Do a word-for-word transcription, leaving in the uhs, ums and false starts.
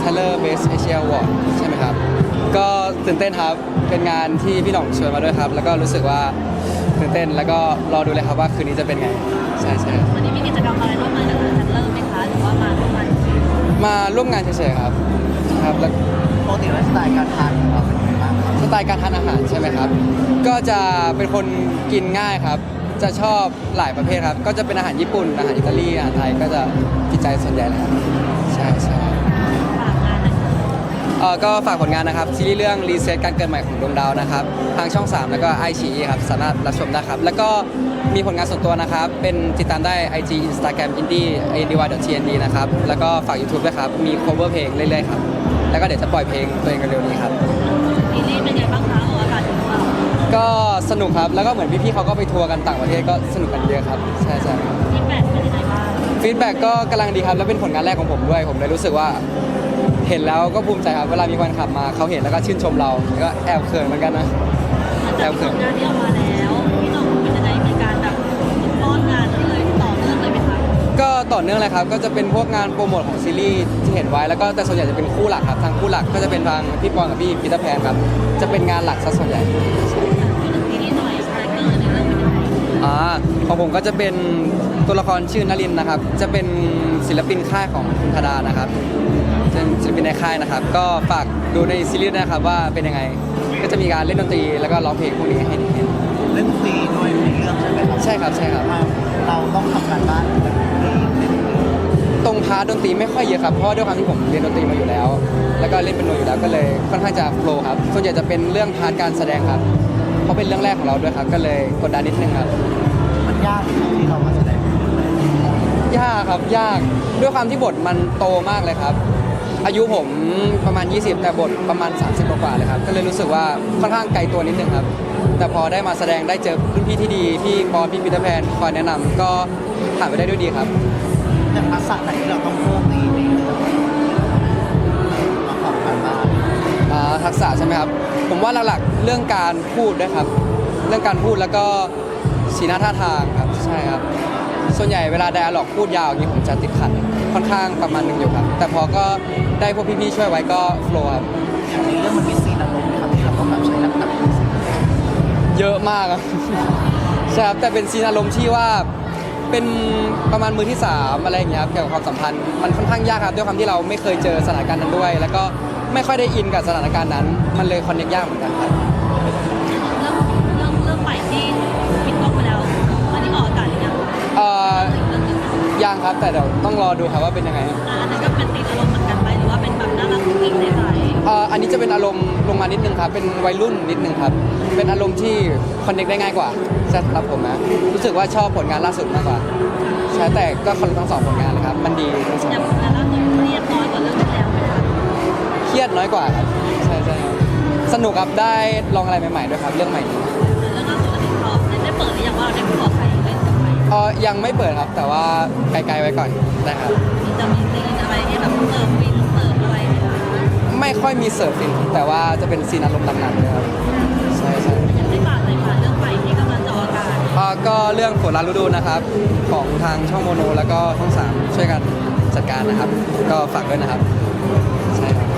Tyler Best Asia Award ใช่ไหมครับก็ตื่นเต้นครับเป็นงานที่พี่หน่องชวนมาด้วยครับแล้วก็รู้สึกว่าตื่นเต้นแล้วก็รอดูเลยครับว่าคืนนี้จะเป็นไงใช่ใช่วันนี้มีกิจกรรมอะไรร่วมงานกับทางทันเลอร์ไหมคะหรือว่ามาร่วมงานเฉยมาร่วมงานเฉยๆครับครับแล้วปกติไลฟ์สไตล์การทานของเราเป็นยังไงบ้างครับสไตล์การทานอาหารใช่ไหมครับก็จะเป็นคนกินง่ายครับจะชอบหลายประเภทครับก็จะเป็นอาหารญี่ปุ่นอาหารอิตาลีอาหารไทยก็จะกินใจส่วนใหญ่เลยครับใช่ใช่ฝากงานหน่อยค่ะเอ่อก็ฝากผลงานนะครับซีรีส์เรื่องรีเซ็ตการเกิดใหม่ของดวงดาวนะครับทางช่องสามแล้วก็ไอชีครับสามารถรับชมได้ครับแล้วก็มีผลงานส่วนตัวนะครับเป็นติดตามได้ ไอ จี Instagram indie indy.tnd นะครับแล้วก็ฝาก YouTube ด้วยครับมี cover เพลงเรื่อยๆครับแล้วก็เดี๋ยวจะปล่อยเพลงตัวเองเร็วๆนี้ครับซีรีส์เป็นไงบ้างคะออกอากาศอยู่หรือเปล่าก็สนุกครับแล้วก็เหมือนพี่ๆเขาก็ไปทัวร์กันต่างประเทศก็สนุกกันเยอะครับใช่ใช่ฟีดแบ็กเป็นยังไงบ้างฟีดแบ็กก็กำลังดีครับแล้วเป็นผลงานแรกของผมด้วยผมเลยรู้สึกว่าเห็นแล้วก็ภูมิใจครับเวลามีแฟนคลับมาเขาเห็นแล้วก็ชื่นชมเราก็แอบเขินเหมือนกันนะหลังจากที่ผลงานที่ออกมาแล้วพี่น้องเป็นยังไงมีการแบบป้อนงานนี้เลยต่อเนื่องเลยไหมคะก็ต่อเนื่องเลยครับก็จะเป็นพวกงานโปรโมทของซีรีส์ที่เห็นไว้แล้วก็แต่ส่วนใหญ่จะเป็นคู่หลักครับทางคู่หลักก็จะเป็นทางพี่ปอนกับพี่พีเตอร์แพนครับจะเป็นงานหลักซะส่วนใหญ่พูดถึงซีรีส์หน่อยคาแรคเตอร์ในเรื่องเป็นยังไงอ่าของผมก็จะเป็นตัวละครชื่อนลินนะครับจะเป็นศิลปินค่ายของคุณธดานะครับเป็นศิลปินในค่ายนะครับก็ฝากดูในซีรีส์นะครับว่าเป็นยังไงก็จะมีการเล่นดนตรีแล้วก็ร้องเพลงพวกนี้ให้เห็นเล่นดนตรีด้วยในเรื่องใช่ไหมครับใช่ครับใช่ครับเราเราต้องทำการบ้านในเรื่องเล่นตรงพาร์ทดนตรีไม่ค่อยเยอะครับเพราะว่าด้วยความที่ผมเรียนดนตรีมาอยู่แล้ว แล้วก็เล่นเป็นโนอยู่แล้วก็เลยค่อนข้างจะโฟล์ครับส่วนใหญ่จะเป็นเรื่องพาร์ทการแสดงครับเพราะเป็นเรื่องแรกของเราด้วยครับก็เลยกดดันนิดนึงครับมันยากไหมครับที่เรามาแสดงเป็นเรื่องแรกยากครับยากด้วยความที่บทมันโตมากเลยครับ อายุผมประมาณ ยี่สิบ แต่บทประมาณ สามสิบ กว่าๆเลยครับก็เลยรู้สึกว่าค่อนข้างไกลตัวนิดนึงครับแต่พอได้มาแสดงได้เจอรุ่นพี่ที่ดีพี่ปอพี่ปีเตอร์แพนคอยแนะนำก็ผ่านไปได้ด้วยดีครับแต่ทักษะไหนที่เราต้องเพิ่มในในเรื่องมาทำการบ้านอ่าทักษะใช่ไหมครับผมว่าหลักๆเรื่องการพูดด้วยครับเรื่องการพูดแล้วก็สีหน้าท่าทางครับใช่ครับส่วนใหญ่เวลาไดอะล็อกพูดยาวอย่างนี้ผมจะติดขัดค่อนข้างประมาณหนึงอยู่ครับแต่พอก็ได้พวกพี่ๆช่วยไว้ก็โฟล์ครับอย่างในเรื่องมันมีซีนอารมณ์นะครับที่เราต้องแบบใช้น้ำหนักในซีนเยอะมากครับ ใช่ครับแต่เป็นซีนอารมณ์ที่ว่าเป็นประมาณมือที่สามอะไรอย่างเงี้ยครับเกี่ยวกับความสัมพันธ์มันค่อนข้างยากครับด้วยความที่เราไม่เคยเจอสถานการณ์นั้นด้วย แล้วก็ไม่ค่อยได้อินกับสถานการณ์นั้น มันเลยคอนเนคยากเหมือนกันครับเรื่องเรื่องเรื่องใหม่ที่ปิดกล้องไปแล้วอันนี้ออกอากาศหรือยังเอ่ออีกเรื่องหนึงยังครับแต่เดี๋ยวต้องรอดูครับว่าเป็นยังไงอ่าอันนั้นก็เป็นตีนอารมณ์เหมือนกันไหมหรือว่าเป็นแบบน่ารักกุ๊กกิ๊กใสเอ่ออันนี้จะเป็นอารมณ์ลงมานิดนึงครับเป็นวัยรุ่นนิดนึงครับเป็นอารมณ์ที่คอนเนคได้ง่ายกว่าใช่ครับผมนะรู้สึกว่าชอบผลงานล่าสุดมากกว่าใช่แต่ก็คอนทั้งสองผลงานเลยครับมันดีทั้งสองๆอย่างผลงานล่าสุดเรียบร้อยกว่าเรื่องที่แล้วไหมคะเครียดน้อยกว่าครับใช่ใช่ครับสนุกครับได้ลองอะไรใหม่ๆด้วยครับเรื่องใหม่นี้เรื่องล่าสุดอันนี้เขาได้เปิดหรือยังว่าเราได้ขอใครเล่นกับใครเออยังไม่เปิดครับแต่ว่าไกลๆไว้ก่อนนะครับจะมีซีนอะไรที่แบบเติมวินเติมอะไรไหมคะไม่ค่อยมีเสิร์ฟฟินแต่ว่าจะเป็นซีนอารมณ์หนักๆเลยครับใช่ใช่อยากให้ฝากเลยค่ะเรื่องใหม่ที่กำลังจะออกอากาศเอ่อก็เรื่องฝนลาฤดูนะครับของทางช่องโมโนแล้วก็ช่องสามช่วยกันจัดการนะครับ ก็ฝากด้วยนะครับใช่ครับ